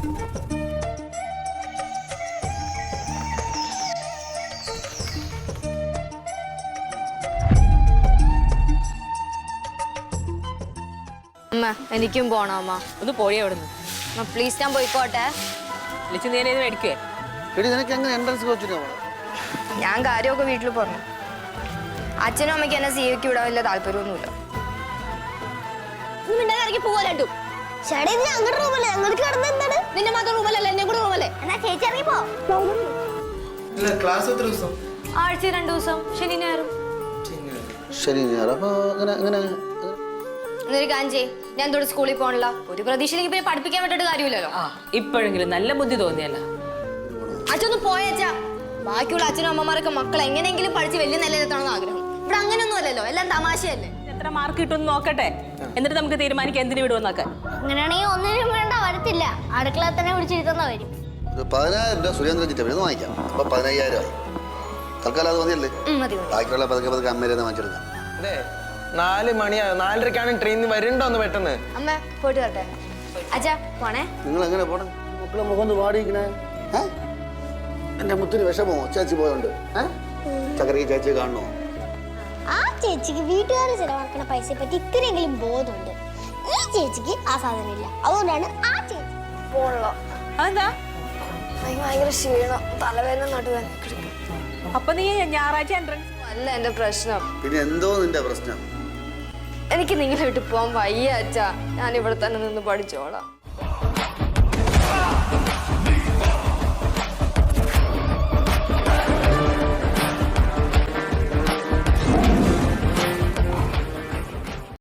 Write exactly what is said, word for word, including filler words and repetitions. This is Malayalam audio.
അമ്മ എനിക്കും പോണം അമ്മ. ഒന്ന് പോയി അവിടുന്ന്. പ്ലീസ് ഞാൻ പോയിക്കോട്ടെ. വിളിച്ച് നീ എന്നെ മേടിക്കുവേ. ഞാൻ കാര്യമൊക്കെ വീട്ടിൽ പറഞ്ഞു. അച്ഛനും അമ്മയ്ക്ക് എന്നെ സീവയ്ക്ക് വിടാൻ വലിയ താല്പര്യമൊന്നുമില്ല. നിന്റെ മാത്രം റൂമല്ലേ എന്നെ കൂടെ റൂമല്ലേ? ആഴ്ച രണ്ടു ദിവസം ശനി ഞായറും. എന്നൊരു കാര്യം ചെയ്യ്, ഞാൻ തൊട്ട് സ്കൂളിൽ പോകണില്ല. ഒരു പ്രതീക്ഷയിലേക്ക് പിന്നെ പഠിപ്പിക്കാൻ പറ്റിട്ട് കാര്യമില്ലല്ലോ. ഇപ്പോഴെങ്കിലും നല്ല ബുദ്ധി തോന്നിയല്ല. അച്ഛനൊന്ന് പോയച്ചാ. ബാക്കിയുള്ള അച്ഛനും അമ്മമാരൊക്കെ മക്കൾ എങ്ങനെയെങ്കിലും പഠിച്ച് വലിയ നിലയിലെത്തണമെന്ന് ആഗ്രഹം. ഇവിടെ അങ്ങനെയൊന്നും അല്ലല്ലോ, എല്ലാം തമാശയല്ലേ. എത്ര മാർക്ക് കിട്ടുമെന്ന് നോക്കട്ടെ, എന്നിട്ട് നമുക്ക് തീരുമാനിക്കാം എന്തിനു വിടുമെന്നൊക്കെ. അങ്ങനെയാണെങ്കിൽ ഒന്നിനും വേണ്ട, വരത്തില്ല. അടുക്കള തന്നെ വിളിച്ചിരുത്തുന്ന വരും. പതിനായിരം രൂപ സുരേന്ദ്രൻ ചിറ്റ വാങ്ങിക്കാം. അപ്പൊ പതിനയ്യായിരം ആയി. തൽക്കാലം അത് മതിയല്ലേ? ബാക്കിയുള്ള പതുക്കെ പതുക്കെ അമ്മേരെ വാങ്ങിച്ചെടുക്കാം. നാല് മണിയാ, നാലരക്കാണ് ട്രെയിനിൽ വരണ്ടോന്ന് പെട്ടെന്ന്. അമ്മ പോയിട്ട് വരട്ടെ. അച്ഛാ പോണേ. നിങ്ങൾ എങ്ങനെ പോണേ? മക്കളെ മുഖം വാടിയിരിക്കണേ. എന്റെ മുത്തിന് വിഷമോ ചേച്ചി പോയോണ്ട്? ചക്കരക്ക് ചേച്ചി കാണണോ? ആ ചേച്ചിക്ക് വീട്ടുകാർ ചെലവാക്കണ പൈസയെ പറ്റി ഇത്രയെങ്കിലും ബോധമുണ്ട്. ഈ ചേച്ചിക്ക് ആ സാധനം ഇല്ല. അതുകൊണ്ടാണ് ആ ചേച്ചി പോണല്ലോ. അതെന്താ? ഭയങ്കര ക്ഷീണം, തലവേദന, നടുവേദന. അപ്പൊ നീ ഞായറാഴ്ച എൻട്രൻസ് അല്ല എന്റെ പ്രശ്നം. പിന്നെ എന്തോ നിന്റെ പ്രശ്നം? എനിക്ക് നിങ്ങളെ വിട്ട് പോവാൻ വയ്യ അച്ഛാ. ഞാൻ ഇവിടെ തന്നെ നിന്ന് പഠിച്ചോളാം.